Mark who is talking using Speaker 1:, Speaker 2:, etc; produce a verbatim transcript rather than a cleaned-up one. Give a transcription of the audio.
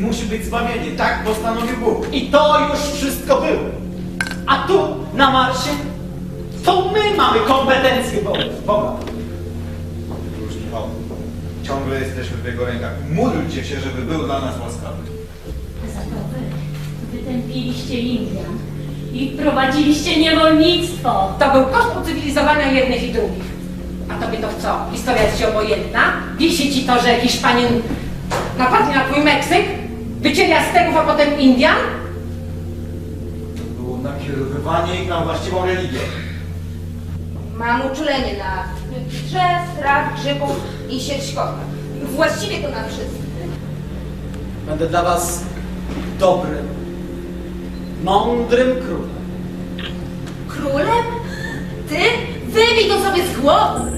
Speaker 1: musi być zbawienie. Tak postanowił Bóg.
Speaker 2: I to już wszystko było. A tu, na Marsie, to my mamy kompetencje Boga.
Speaker 1: Już Michał, ciągle jesteśmy w Jego rękach. Módlcie się, żeby był dla nas łaskawy.
Speaker 3: Za to wy wytępiliście Indian i wprowadziliście niewolnictwo.
Speaker 4: To był koszt ucywilizowania jednych i drugich. A tobie to co? Historia jest ci obojętna? Wisi ci to, że Hiszpanin napadnie na twój Meksyk? Wycięli Azteków, a potem Indian?
Speaker 1: To było nakierowywanie ich na właściwą religię.
Speaker 5: Mam uczulenie na drzew, traw, grzybów i sieć kota. Właściwie to na wszystko.
Speaker 2: Będę dla was dobrym, mądrym królem.
Speaker 5: Królem? Ty? Wybij to sobie z głowy!